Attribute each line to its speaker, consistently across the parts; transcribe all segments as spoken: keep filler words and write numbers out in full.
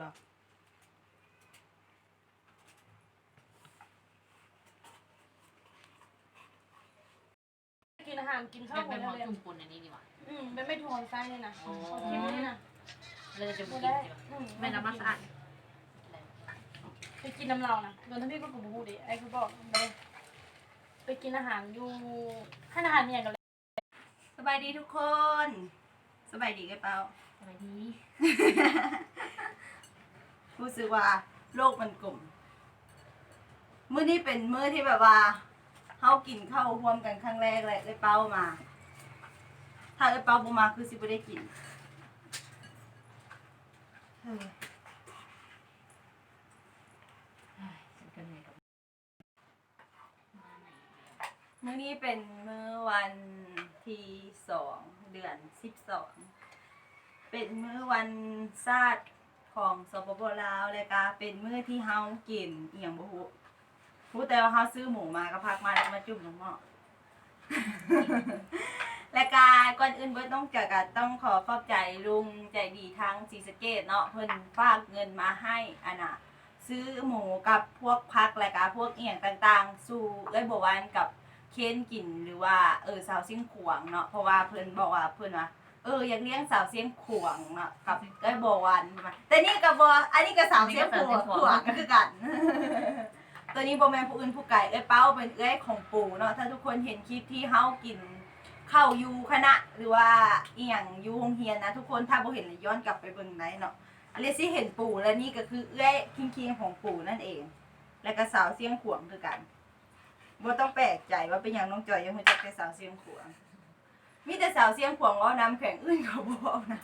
Speaker 1: ดอกกินอาหารกินข้าวหม
Speaker 2: เป็
Speaker 1: ด
Speaker 2: น
Speaker 1: แล้
Speaker 2: ห
Speaker 1: ว
Speaker 2: อ
Speaker 1: เลย
Speaker 2: จุ่มปุ่นอันนี้ดีกว่า
Speaker 1: อืมเป็นไม่ทอนไส้เลยนะกินนี่นะ
Speaker 2: เราจะกินดีกว่าไม่น้ำมันสะอาด
Speaker 1: ไปกินน้ำเรานะโดนทั้งพี่ก็กูบูดิไอ้กูบอกไปไปกินอาหารอยู่ให้อาหารเมียกันเลยสบายดีทุกคนสบายดีกันเปล่า
Speaker 2: สบายดี
Speaker 1: รู้สึกว่าโลกมันกลมมื้อนี้เป็นมื้อที่แบบว่าเฮากินข้าวร่วมกันครั้งแรกเลยเลยเป้ามา ถ้าเลยเป้าบ่มาคือสิบ่ได้กินเฮ้ยมื้อนี้เป็นมื้อวันที่สองเดือนสิบสองเป็นมื้อวันชาติของสปปลาวเลยกะเป็นมื้อที่เฮากินเอียงบ่ฮู้รู้แต่ว่าเฮาซื้อหมูมาก็พักมาแล้วมาจุ่มลงหม้อ และกาก่อนอื่นเบิดต้องเกี่ยวกับต้องขอขอบใจลุงใจดีทางศรีสะเกษเนาะเพิ่นฝากเงินมาให้อันน่ะซื้อหมูกับพวกพักและกาพวกเอียงต่างๆ สู่เอ้ยบ่วานกับเค้นกินหรือว่าเออสาวเสียงขวางเนาะเพราะว่าเพิ่นบอกว่าเพิ่นว่าเอออยากเลี้ยงสาวเสียงขวางเนาะกับเอ้ยบ่วานแต่นี่ก็บ่อันนี้ก็สาวเสียงขวางขวางคือกัน ตัวนี้บ่แม่นผู้อื่นผู้ไกลเอ้ยเป้าเป็นเอ้ยของปู่เนาะถ้าทุกคนเห็นคลิปที่เฮากินข้าวอยู่คณะหรือว่าอีหยังอยู่โรงเรียนนะทุกคนถ้าบ่เห็นเลยย้อนกลับไปเบิ่งได้เนาะอันนี้สิเห็นปู่และนี่ก็คือเอ้ยคิงๆของปู่นั่นเอง แล้วก็สาวเสียงขวางคือกันบ่ต้องแปลกใจว่าเป็นหยังน้องจอยยังรู้จักแต่สาวเสียงขวางมีแต่สาวเสียงขวางเว้านำแข่งอื่นเขาบ่เว้านะ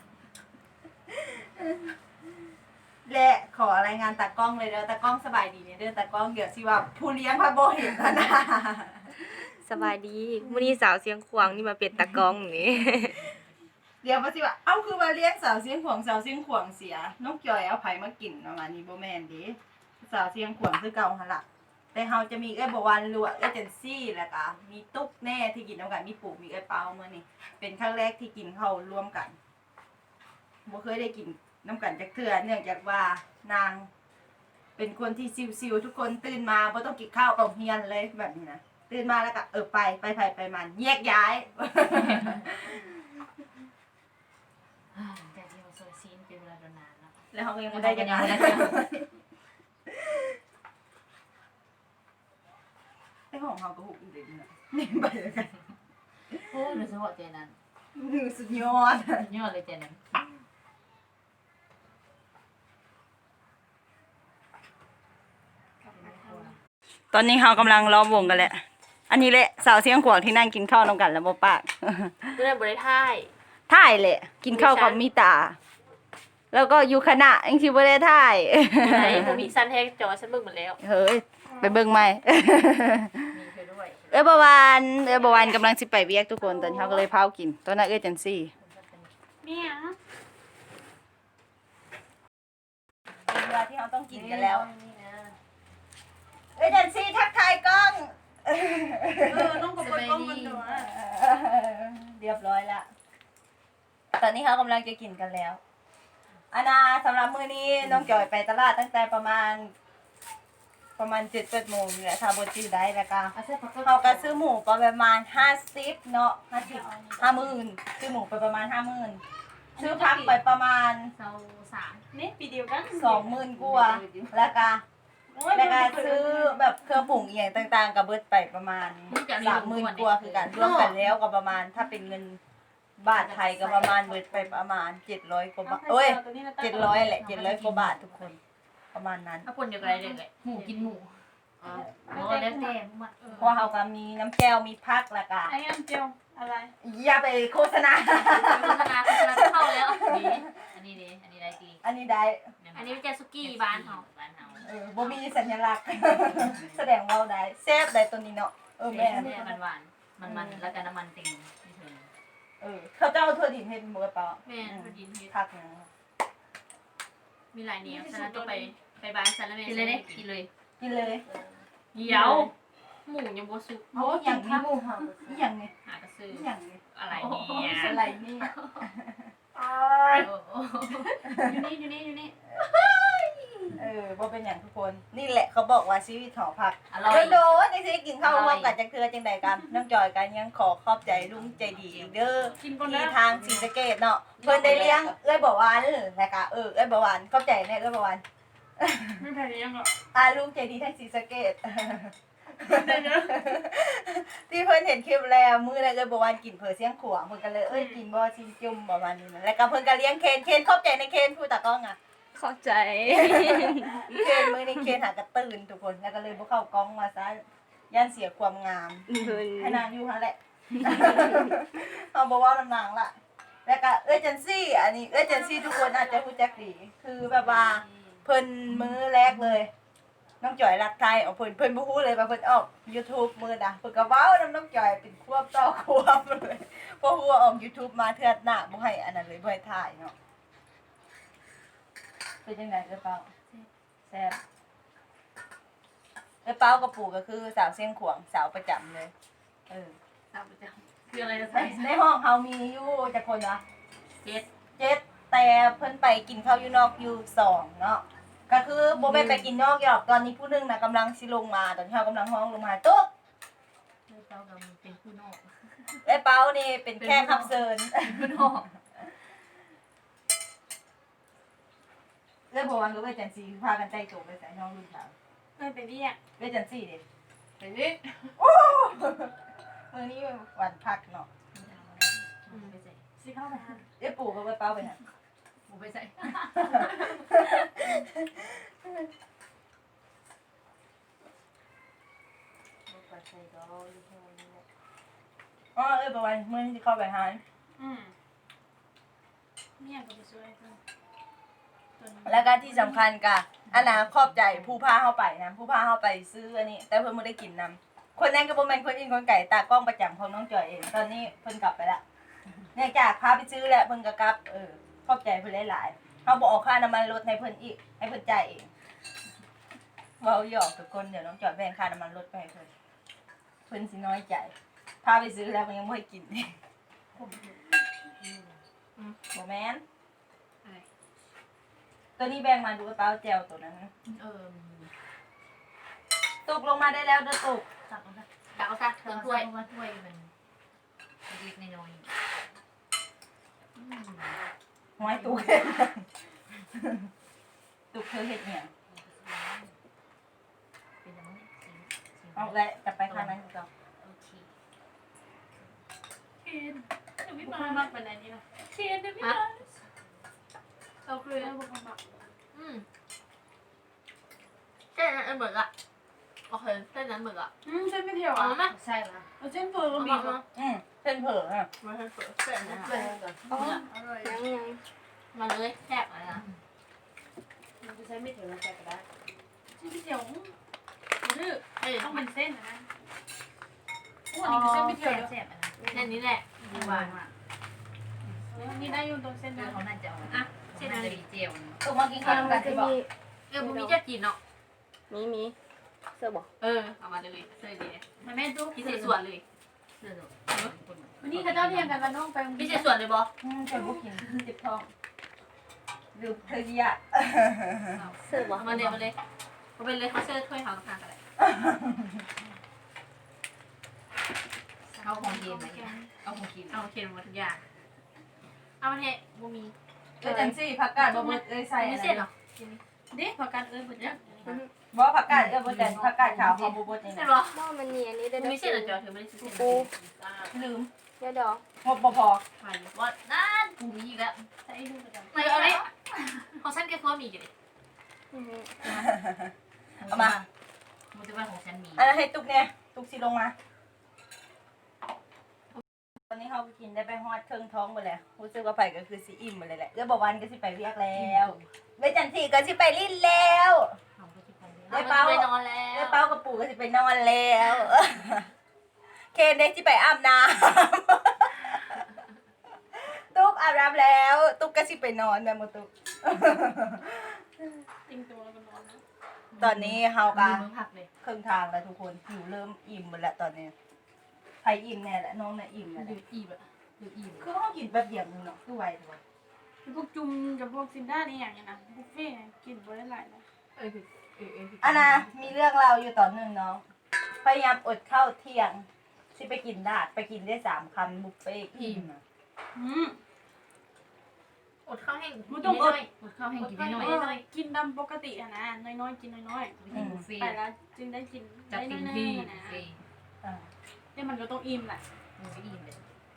Speaker 1: และขอรายงานตากล้องเลยเด้อตากล้องสบายดีเนี่ยเด้อตากล้องเดี๋ยวสิว่าผู้เลี้ยงพระโบเห็นแล้วนะ
Speaker 3: สบายดีมื้อนี้สาวเสียงขวางนี่มาเป็นตากล้องนี่
Speaker 1: เดี๋ยวมาสิว่าเอ้าคือว่าเลี้ยงสาวเสียงขวางสาวเสียงขวางเสียน้องจอยเอาไผมากินประมาณนี้บ่แม่นเดิสาวเสียงขวางคือเก่าหั่นล่ะแต่เฮาจะมีเอ้ยบ่วันรัวเอเจนซี่แล้วก็มีตุ๊กแน่ที่กินนำกันมีปู่มีเอ้ยเปามื้อนี้เป็นครั้งแรกที่กินข้าวร่วมกันบ่เคยได้กินน้ำกันจากเทื่อเนื่องจากว่านางเป็นคนที่ซิวๆทุกคนตื่นมาบ่ต้องกินข้าวกับเฮียนเลยแบบนี้นะตื่นมาแล้วก็เออไปไปไปไปมันแยกย้าย
Speaker 2: แต่ที่เราโซยซีนเป็นเวลานานแล้ว
Speaker 1: แล้วเขาก็ยังไม่ได้ยังไงไอ้ของเขาก็หุบอีกเลยนะนี่ไปเลยกัน
Speaker 2: โอ้ยหนูสมบูรณ์เจนั้น
Speaker 1: สุดยอด
Speaker 2: ยอดเลยเจนั้น
Speaker 1: ตอนนี้เขากำลังล้อมวงกันแหละอันนี้แหละสาวเสียงขวางที่นั่งกินข้าวน้ำกันแล้วบ่ปาก
Speaker 3: มื้อนั้นบ่ได้ถ่าย
Speaker 1: ถ่ายแหละกินข้าวกับมีตา แล้วก็อยู่คณะยังสิบ่ได้ถ่าย
Speaker 3: ไหนบ่มีซันแฮกจอฉันเบิ่งหมดแล้ว
Speaker 1: เฮ้ยไปเบิ่งใหม่
Speaker 2: มีไปด้วย
Speaker 1: เอ้ยบวานเอ้ยบวานกำลังสิไปเวียกทุกคนตอนเขาก็เลยพากินตอนนั้นเอ้ยจันซี่
Speaker 3: แม่อะ
Speaker 1: เป็นเวลาที่เขาต้องกินกันแล้วเอ้ยจันซี่ทักทายกล้องเออน้องกับกล้องมันตัวเรียบร้อยละตอนนี้เขากำลังจะกินกันแล้วอานาสำหรับมื้อนี้น้องจอยไปตลาดตั้งแต่ประมาณ ประมาณเจ็ดแปดโมงนี่แหละถ้าบ่จื้อได้แล้วก็
Speaker 2: อาเซ่พักก็
Speaker 1: เขาก็ซื้อหมูไปประมาณห้าสิบเนาะห้าสิบห้าหมื่นซื้อหมูไปประมาณห้าหมื่นซื้อพักไปประมาณ
Speaker 2: เซาสาม
Speaker 3: นี่ปีเดียวกัน
Speaker 1: สองหมื่นกว่าแล้วก็แล้วก็ซื้อแบบเครื่องปรุงอีกอย่างต่างๆกับเบิดไปประมาณสามหมื่นกว่าคือกันรวมกันแล้วก็ประมาณถ้าเป็นเงินบาทไทยก็ประมาณเบิดไปประมาณเจ็ดร้อยกว่าบาทเอ้ยเจ็ดร้อยแหละเจ็ดร้อยกว่าบาททุกคนประมาณนั้น
Speaker 2: ถ้าคนเดียวกันเลยเลยหมูกินหมูอ๋อแล้วแต่หมด
Speaker 1: เพราะเขาก็มีน้ำแก้วมีพักแล้วก็
Speaker 3: ไอ้อันเจียวอะไร
Speaker 1: อย่าไปโฆษณา
Speaker 2: โฆษณาโฆษณาเข้าแล้วดีอันนี้ดีอันนี้ได้ดี
Speaker 1: อันนี้ได้
Speaker 2: อันนี้เป็นแจสุกี้บ้านเฮาบ้านเฮา
Speaker 1: เออบ่มีสัญลักษณ์ แสดงว่าได้แซ่บได้ตัวนี้เนาะเออ
Speaker 2: แม่
Speaker 1: แม่
Speaker 2: มันหวานมันมันแล้วก็น้ำมันเต็มที่เธอ
Speaker 1: เออเขาเจ้าทั่วดินเฮ็ดบ่เปล่า
Speaker 2: แม่พอดีที่
Speaker 1: พักนะ
Speaker 2: มีหลายแนวฉะนั้นต้องไปไปบ้านฉันแล้วแม่กินเลยได้กินเลย
Speaker 1: กินเลย
Speaker 2: เดี๋ยวหมูยังบ่สุก
Speaker 1: โอ้อย่างนี้หมู่เฮาอีหยังนี่
Speaker 2: หากระซื้อ
Speaker 1: อีหยังนี่
Speaker 2: อะไรเนี่ย
Speaker 1: อะไรนี่
Speaker 2: โอ้โห
Speaker 3: อยู่นี่อยู่นี่อยู่นี่
Speaker 1: บ่เป็นอย่างทุกคนนี่แหละเขาบอกว่าชีวิตหอพัก
Speaker 2: อร่อย
Speaker 1: โดนๆจังสิกินข้าวร่วมกันจังเทื่อจังใดกันน้องจอยกันยังขอขอบใจลุงใจดีอีกเด้อ
Speaker 4: กินก่อน
Speaker 1: ที่
Speaker 4: นะ
Speaker 1: ทางศรีสะเกษเนาะเพิ่นได้เลี้ยงเอ้ยบ่หวานแล้วก็เออเอ้ยบ่หวานขอบใจแน่เอ้ยบ่หวาน
Speaker 4: ไม่แพ้ยังหรอก
Speaker 1: อ่าลุงใจดีทางศรีสะเกษ
Speaker 4: ได้เนอะ
Speaker 1: ที่เพิ่นเห็นคลิปแล้วมื้อนั้นเอ้ยบ่หวานกินเผอเสียงขวางเพิ่นก็เลยเอ้ยกินบ่ชิมจุ่มประมาณนี้นะแล้วก็เพิ่นก็เลี้ยงเคนเคนขอบใจในเคนผู้ตากล้องอ่ะ
Speaker 3: เข้าใจ
Speaker 1: เคนมื้อนี้เคนหากระตื่นทุกคนแล้วก็เลยบ่เข้ากล้องมาซะย่านเสียความงาม
Speaker 3: เพิ่น
Speaker 1: ให้นางอยู่หั่นแหละ เอาบ่เว้านำนางละแล้วก็เอ้ยจันซี่ อันนี้เอ้ยจันซี่ทุกคนอาจจะรู้จักดี คือแบบว่าเพิ่นมื้อแรกเลย น้องจ่อยรักไทยเอาเพิ่นเพิ่นบ่ฮู้เลยว่าเพิ่นออก YouTube มื้อน่ะเพิ่นก็เว้านำน้องจ่อยเป็นควบต่อควบเลยเพราะฮู้ว่าออก YouTube มาเทื่อหน้าบ่ให้อันนั้นเลยบ่ให้ถ่ายเนาะเป็นจังได๋เอ้ยเปาแซ่บเอ้ยเปากับปู่ก็คือสาวเสียงขวางสาวประจำเลยเออ
Speaker 2: สาวประจำคืออะไรจะ
Speaker 1: ใน
Speaker 2: ใส่
Speaker 1: ในห้องเฮามีอยู่จักคนวะ
Speaker 2: เจ็ด
Speaker 1: เจ็ดแต่เพิ่นไปกินข้าวอยู่นอกอยู่สองเนาะก็คือโบแม่นไปกินนอกหรอกตอนนี้ผู้หนึงนะกำลังสิลงมาตอนที่เฮากำลังห้องลงมาตุ๊ก
Speaker 2: เลือกเต้ากับมันเป็นผู้นอก
Speaker 1: ไอ้เป้านี่เป็นแค่ขับเซิน
Speaker 2: ผู้นอก
Speaker 1: เรื่องพวันก็เวจันซีพากันใจโจกไปใส่ห้องลูกสาว
Speaker 4: ไม่ไปเรียก
Speaker 1: เวจันซีดิ
Speaker 2: ไปดิ
Speaker 1: มื้อนี้วันพักเนาะ
Speaker 2: ไปใส่
Speaker 4: สิเข้าไปหา
Speaker 1: เอ้ยปู่ก็ไปเป้าไปน่ะ
Speaker 2: หมูไปใส่
Speaker 1: อ๋อเอ้ยประวันมื้อนี้สิเข้าไปหา
Speaker 4: อืมเนี่ยก็ไปช่วยเพิ่นจน
Speaker 1: แล้วก็ที่สำคัญก็อันน่ะขอบใจผู้พาเฮาไปนะผู้พาเฮาไปซื้ออันนี้ แต่เพิ่นบ่ได้กินนำคนนั้นก็บ่แม่นคนอื่นคนไก่ตากล้องประจำของน้องจอยเอง ตอนนี้เพิ่นกลับไปละเนี่ยจากพาไปซื้อแล้วเพิ่นก็กลับเออขอบใจเพิ่นหลายๆเฮาบ่ออกค่าน้ำมันรถให้เพิ่นอีกให้เพิ่นจ่ายเองเว้าหยอกทุกคนเดี๋ยวน้องจอยแบ่งค่าน้ำมันรถไปให้เพิ่นเพิ่นสิน้อยใจพาไปซื้อแล้วมันยังบ่ให้กินบ่แม่น
Speaker 2: อะไร
Speaker 1: ตัวนี้แบ่งมาดูกระเป๋าแจวตัวนั้น
Speaker 2: เออ
Speaker 1: ตกลงมาได้แล้วเด้อตก
Speaker 2: ตักเอาซะตักเอาซะเติมถ้วยว่าถ้วยมันเล็กน้อยอืม
Speaker 1: ห้อยตุก ตุกเธอเฮ็ดเนี่ยง
Speaker 2: เป็นยังไงสีสี
Speaker 1: เอาละจะไปข้างนั้นก่อน
Speaker 2: โอเค
Speaker 4: เคนยังไม่มามักเป็นอะไรนี่นะเคนยังไม่มาเราเคยเอาพวกมันมา
Speaker 2: อืมเส้นนั้นเหมือนอะโอเคเส้นนั้นเหมือนอะ
Speaker 4: อืมเส้นไม่เที่ยว
Speaker 2: เอา
Speaker 4: อ่ะ
Speaker 2: ไหมใช่ไหม
Speaker 4: เอาเส้นเฟอร์ก็
Speaker 2: เอา
Speaker 4: มี
Speaker 2: มา
Speaker 4: เหรอ
Speaker 1: อืมเส้นเผลออ่ะ
Speaker 2: มาให้เปิดเส้นนะ
Speaker 4: เส้นก่อน
Speaker 3: อ๋อ
Speaker 4: อร่อย
Speaker 3: ยังยัง
Speaker 2: มาเลยแซ่บอะไรนะ
Speaker 4: มันจะใช้ไม่ถึงแล้วแต่ก็ได้เส้นไม่เที่ยวอืมดื้อ
Speaker 2: เอ้ย
Speaker 4: ต้องเป็นเส้นนะโอ้
Speaker 2: อ๋
Speaker 4: อั
Speaker 2: อน
Speaker 4: นี้คือเส้นไม่เที่ยว
Speaker 2: แซ่บๆอันนั้นแค่นี้แหละดีกว่า
Speaker 4: นี่ได้อยู่ตรงเส้น
Speaker 2: เอ
Speaker 4: นั้
Speaker 2: อน เขาน่าจะเอาอ่ะเส้นนั้นจะมีเจล
Speaker 1: ตุกมากินข้าว
Speaker 3: มั
Speaker 1: กัน น
Speaker 3: จะ
Speaker 1: สิบอก
Speaker 3: มี
Speaker 2: เออมึงมีจะกินเนาะ
Speaker 3: มีมีเสื้อบอก
Speaker 2: เออเอามาเลยเสื้อดี
Speaker 4: มาแม่ตุ๊ก
Speaker 2: พิเศษส่วนเลยเสื้อ
Speaker 4: วันนี้เขาเจ้าเรียงกันแล้วน้องไป
Speaker 2: พิเศษส่วนเลยบอ
Speaker 1: อืมเธอบุกินเจ็บท้องหรือเธอเยีย
Speaker 3: เสื้อบอก
Speaker 2: เอามาเลยมาเลยเอาไปเลยเขาเสื้อถ้วยเขาข้างกันเลยเอาของเย็นไหมเอาของกินเอาเค็มมาทุกอย่างเอามาเนี่ยบูมี
Speaker 1: เอ้ยจันซี่ผักกาดบ่เบิดเอ้ยใส่
Speaker 2: มี
Speaker 1: อะไร
Speaker 2: เส้นเหรอ
Speaker 4: เด็กพอกันเอ้ยหมดยัง
Speaker 1: บ่ผักกาดเอ้ยบ่จันผักกาดขาวเขาบ่เบิดนี่
Speaker 2: เส้น
Speaker 1: นะ
Speaker 2: เหรอ
Speaker 3: หม้อมันเนียนนี่ได้
Speaker 2: บูมีเส้นเหรอจอเธอไม่ได้ซื้อเส้น
Speaker 3: ปู
Speaker 1: ลืม
Speaker 3: เดี๋ยวดอก
Speaker 1: งบบ่พอ
Speaker 2: มาเลยว่านั่นบูมีอีกแล้ว
Speaker 4: ใส่ดูประจำ
Speaker 2: ไม่เอาเลยของฉันแกก็มีอยู่ดิ
Speaker 3: อือฮึ
Speaker 1: เอามา
Speaker 2: มันจะว่าของฉันมี
Speaker 1: อันนั้นให้ตุกเนี่ยตุกสิลงมาตอนนี้เขาก็กินได้ไปฮอดเครื่องท้องหมดแล้วรู้สึกว่าไปก็คือสิอิ่มหมดเลยแหละเอ้ยบ่วันก็สิไปเรียกแล้วเว้ยจันซี่ก็สิไปลิ้นแล้ว
Speaker 2: ได้เป้าไปนอนแล้
Speaker 1: เอ้ยว เป้ากับปู่ก็สิไปนอนแล้ว เคนเด็กสิไปอาบน้ำ ตุ๊กอาบน้ำแล้ว ตุ๊กก็สิไปนอนแม่หมดตุ๊ก
Speaker 4: ติงตัวแล้วก็นอนนะ
Speaker 1: ตอนนี้เฮาก็
Speaker 2: มือผักเลย
Speaker 1: ครึ่งทางแล้วทุกคนหิวเริ่มอิ่มหมดแล้วตอนนี้ใครอิ่มแน่แหละน้องน่ะอิ่มแล้ว
Speaker 2: ดูอีแบบดูอีแบบ
Speaker 1: คือเฮากินแบบเดียวนึงเนาะคือไวถูก
Speaker 4: พวกจุ่มกับพวกซินด้านี่อย่างเงี้ยนะบุฟเฟ่ต์กินบ่ได้หลายนะ
Speaker 2: ไปเออเออเออ
Speaker 1: อันน่ะมีเรื่องเราวอยู่ต่อหนึ่งเนาะพยายามอดข้าวเที่ยงที่ไปกินดาดไปกินได้สามคำบุฟเฟ่ต์อิ่มอะ
Speaker 4: อืม
Speaker 2: อดข้าวแห้ง
Speaker 4: มันต้องอด
Speaker 2: อดข้าวแห้งกิน
Speaker 4: น้
Speaker 2: น้
Speaker 4: อ
Speaker 2: อย
Speaker 4: ยๆกินตามปกติอะนะน้อยๆกินน้อย
Speaker 2: ๆไปกินบุฟเฟ่
Speaker 4: ๆไปแล้วจึงได้กิน
Speaker 2: จัด
Speaker 4: ได้
Speaker 2: เต็ม
Speaker 4: น้อย
Speaker 2: ที่
Speaker 4: ๆ
Speaker 2: บุ
Speaker 4: นะ
Speaker 2: ฟเฟ่ต์
Speaker 1: อ่า
Speaker 4: เนี่ยมันก็ต้องอิ่มแหละ
Speaker 2: มันไม่อิ่มเลย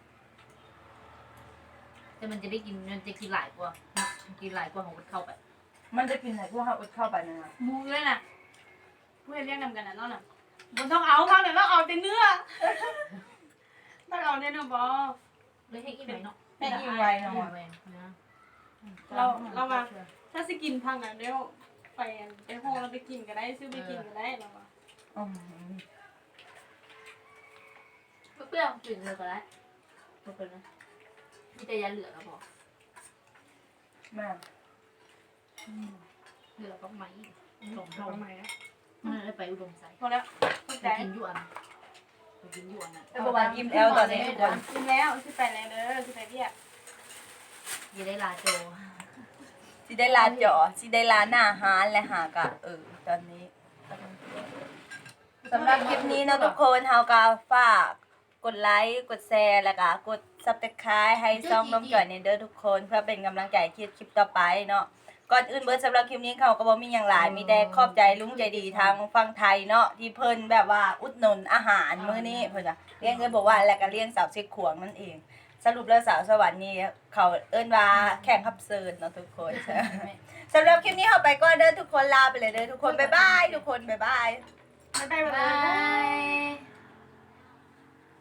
Speaker 2: แต่มันจะได้กินมันจะกินหลายกว่ามันกินหลายกว่าของอดข้าวไป
Speaker 1: มันจะกินไหนพวกเขาอดข้าวไปนะ
Speaker 4: หมูเลยน่ะผู้เรียกนำกันนะเนาะน่ะมันต้องเอาข้าวเนี่ยต้องเอาแต่เนื้อต้องเอาแต่เนื้อบอ
Speaker 2: เลยให้กินหน่อยเนาะ
Speaker 1: ให้อิ่มไวหน่อย
Speaker 2: แหวนนะ
Speaker 4: เราเรามาถ้าสิกินพังน่ะเดี๋ยวไปไปห้องเราไปกินก็ได้ซื้อไปกินก็ได้เราว่า
Speaker 1: อืม
Speaker 2: เปรี้ยวๆกลิ่นเลยก็ได้โอเคนะมีแต่ยาเหลือแล้วพอ
Speaker 1: แม่
Speaker 2: เหลือก็ไหมสอง
Speaker 4: ท
Speaker 2: เท่า
Speaker 4: ำไมอะ
Speaker 2: มันเลยไปอุดมไซ
Speaker 4: พอแล้วเข้า
Speaker 2: ไป
Speaker 4: ใจ
Speaker 2: กินหยวนไปกินหยวนอ่ะ
Speaker 1: แต่ประมาณอิ่มแล้วตอนนี้ทุกคน
Speaker 4: กินแล้วสิไปแล้วเด้อสิไปเรียก
Speaker 2: อยังได้ลาโจ
Speaker 1: สิได้ลาเจาะสิได้ลาหน้าฮานและหากะเออตอนนี้สำหรับคลิปนี้เนาะทุกคนเฮาก็ฝากกดไลค์กดแชร์แล้วก็กด ซับสไครบ์ ให้ช่องน้องจ่อยในเด้อทุกคนเพื่อเป็นกำลังใจคลิปคลิปต่อไปเนาะก่อนอื่นเบิร์ดสำหรับคลิปนี้เขาก็บ่มีอย่างหลายมีแต่ขอบใจลุงใจดีทางฝั่งไทยเนาะที่เพิ่นแบบว่าอุดหนุนอาหารมื้อนี้เพิ่นว่าเลี้ยงเอิ้นบอกว่าแล้วก็เลี้ยงสาวเช็คขวงนั่นเอง สรุปแล้วสาวสวรรค์นี่เขาเอิ้นว่าแข่งขับเซิร์นเนาะทุกคน สำหรับคลิปนี้เฮาไปก่อนเด้อทุกคนลาไปเลยเด้อทุกคนบ๊ายบายทุกคนบ๊ายบาย
Speaker 4: บ๊ายบาย
Speaker 2: บาย